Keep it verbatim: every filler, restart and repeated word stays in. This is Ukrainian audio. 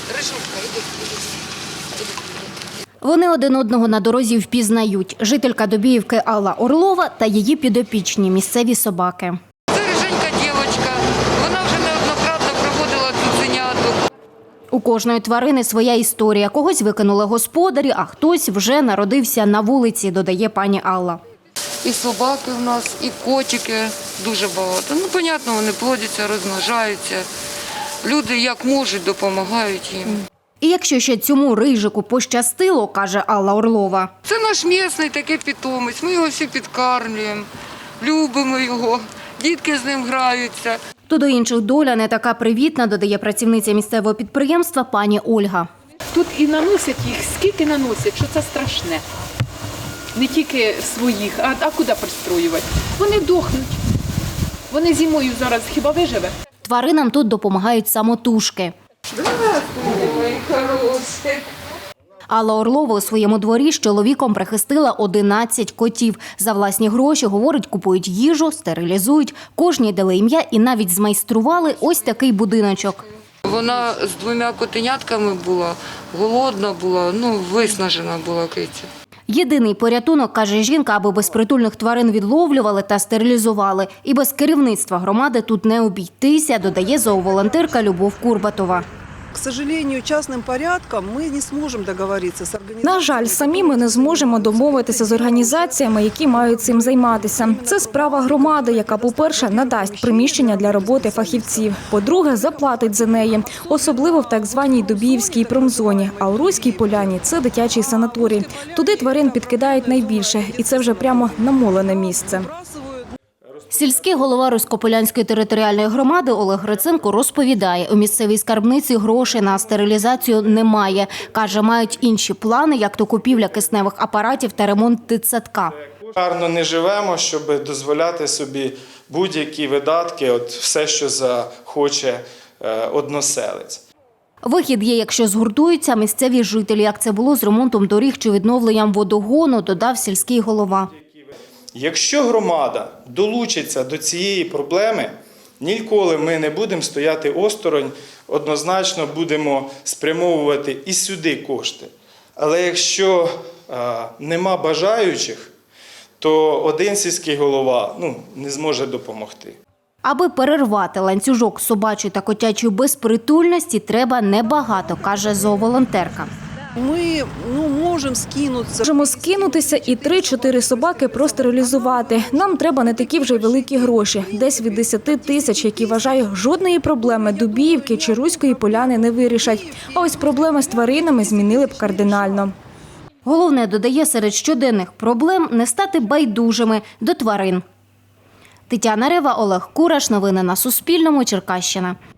Вони один одного на дорозі впізнають. Жителька Добіївки Алла Орлова та її підопічні місцеві собаки. Це риженька дівчинка. Вона вже неоднократно проводила цуценяток. У кожної тварини своя історія. Когось викинули господарі, а хтось вже народився на вулиці, додає пані Алла. І собаки в нас, і котики дуже багато. Ну, понятно, вони плодяться, розмножаються. Люди як можуть, допомагають їм. І якщо ще цьому рижику пощастило, каже Алла Орлова. Це наш місний такий питомець, ми його всі підкармлюємо, любимо його, дітки з ним граються. То до інших доля не така привітна, додає працівниця місцевого підприємства пані Ольга. Тут і наносять їх, скільки наносять, що це страшне. Не тільки своїх, а, а куди пристроювати? Вони дохнуть. Вони зимою зараз хіба виживе? Тваринам тут допомагають самотужки. Ой, хороший. Алла Орлова у своєму дворі з чоловіком прихистила одинадцять котів. За власні гроші, говорить, купують їжу, стерилізують. Кожній дали ім'я і навіть змайстрували ось такий будиночок. Вона з двома котенятками була, голодна була, ну, виснажена була киця. Єдиний порятунок, каже жінка, аби безпритульних тварин відловлювали та стерилізували. І без керівництва громади тут не обійтися, додає зооволонтерка Любов Курбатова. К сожалению, частным порядком мы не сможем договориться с организацией. На жаль, самі ми не зможемо домовитися з організаціями, які мають цим займатися. Це справа громади, яка, по-перше, надасть приміщення для роботи фахівців. По-друге, заплатить за неї, особливо в так званій Добіївській промзоні. А у Руській Поляні – це дитячий санаторій. Туди тварин підкидають найбільше, і це вже прямо намолене місце. Сільський голова Руськополянської територіальної громади Олег Гриценко розповідає, у місцевій скарбниці грошей на стерилізацію немає. Каже, мають інші плани, як то купівля кисневих апаратів та ремонт дитсадка. Гарно не живемо, щоб дозволяти собі будь-які видатки, от все, що захоче односелець. Вихід є, якщо згуртуються місцеві жителі, як це було з ремонтом доріг чи відновленням водогону, додав сільський голова. Якщо громада долучиться до цієї проблеми, ніколи ми не будемо стояти осторонь, однозначно будемо спрямовувати і сюди кошти. Але якщо а, нема бажаючих, то один сільський голова ну, не зможе допомогти. Аби перервати ланцюжок собачої та котячої безпритульності, треба небагато, каже зооволонтерка. Ми ну, можемо скинутися. Можемо скинутися і три-чотири собаки простерилізувати. Нам треба не такі вже й великі гроші. Десь від десяти тисяч, які, вважаю, жодної проблеми Добіївки чи Руської Поляни не вирішать. А ось проблеми з тваринами змінили б кардинально. Головне, додає, серед щоденних проблем не стати байдужими до тварин. Тетяна Рева, Олег Кураш. Новини на Суспільному. Черкащина.